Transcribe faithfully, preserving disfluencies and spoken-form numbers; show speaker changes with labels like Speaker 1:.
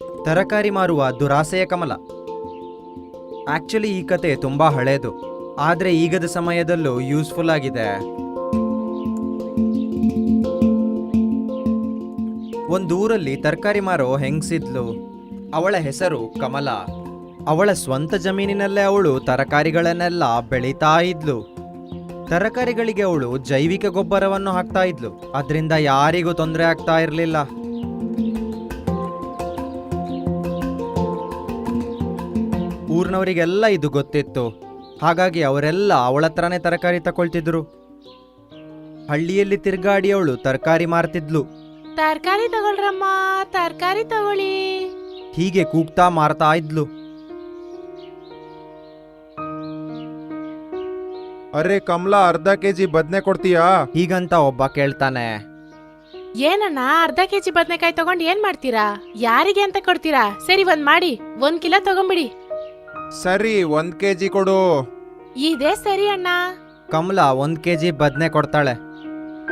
Speaker 1: ತರಕಾರಿ ಮಾರುವ ದುರಾಸೆಯ ಕಮಲ. ಆಕ್ಚುಲಿ ಈ ಕತೆ ತುಂಬಾ ಹಳೇದು, ಆದ್ರೆ ಈಗದ ಸಮಯದಲ್ಲೂ ಯೂಸ್ಫುಲ್ ಆಗಿದೆ. ಒಂದೂರಲ್ಲಿ ತರಕಾರಿ ಮಾರೋ ಹೆಂಗ್ಸಿದ್ಲು. ಅವಳ ಹೆಸರು ಕಮಲ. ಅವಳ ಸ್ವಂತ ಜಮೀನಿನಲ್ಲೇ ಅವಳು ತರಕಾರಿಗಳನ್ನೆಲ್ಲ ಬೆಳೀತಾ ಇದ್ಲು. ತರಕಾರಿಗಳಿಗೆ ಅವಳು ಜೈವಿಕ ಗೊಬ್ಬರವನ್ನು ಹಾಕ್ತಾ ಇದ್ಲು. ಅದರಿಂದ ಯಾರಿಗೂ ತೊಂದರೆ ಆಗ್ತಾ ಇರಲಿಲ್ಲ. ಊರ್ನವರಿಗೆಲ್ಲ ಇದು ಗೊತ್ತಿತ್ತು. ಹಾಗಾಗಿ ಅವರೆಲ್ಲ ಅವಳ ಹತ್ರನೇ ತರಕಾರಿ ತಕೊಳ್ತಿದ್ರು. ಹಳ್ಳಿಯಲ್ಲಿ ತಿರ್ಗಾಡಿ ಅವಳು ತರಕಾರಿ ಮಾರ್ತಿದ್ಲು.
Speaker 2: ತರಕಾರಿ ತಗೊಳ್ರಮ್ಮ, ತರಕಾರಿ ತಗೊಳ್ಳಿ.
Speaker 1: ಹೀಗೆ ಕೂಗ್ತಾ ಮಾರ್ತಾ ಇದ್ಲು.
Speaker 3: ಅರೆ ಕಮಲಾ, ಅರ್ಧ ಕೆಜಿ ಬದ್ನೆ ಕೊಡ್ತೀಯಾ?
Speaker 1: ಹೀಗಂತ ಒಬ್ಬ ಕೇಳ್ತಾನೆ.
Speaker 2: ಏನಣ್ಣ, ಅರ್ಧ ಕೆಜಿ ಬದ್ನೆಕಾಯಿ ತಗೊಂಡ್ ಏನ್ ಮಾಡ್ತೀರಾ? ಯಾರಿಗೆ ಅಂತ ಕೊಡ್ತೀರಾ? ಸರಿ, ಒಂದ್ ಮಾಡಿ ಒಂದ್ ಕಿಲೋ ತಗೊಂಬಿಡಿ.
Speaker 3: ಸರಿ, ಒಂದ್ ಕೆಜಿ ಕೊಡು.
Speaker 2: ಇದೇ ಸರಿ ಅಣ್ಣ.
Speaker 1: ಕಮಲ ಒಂದ್ ಕೆಜಿ ಬದ್ನೆ ಕೊಡ್ತಾಳೆ.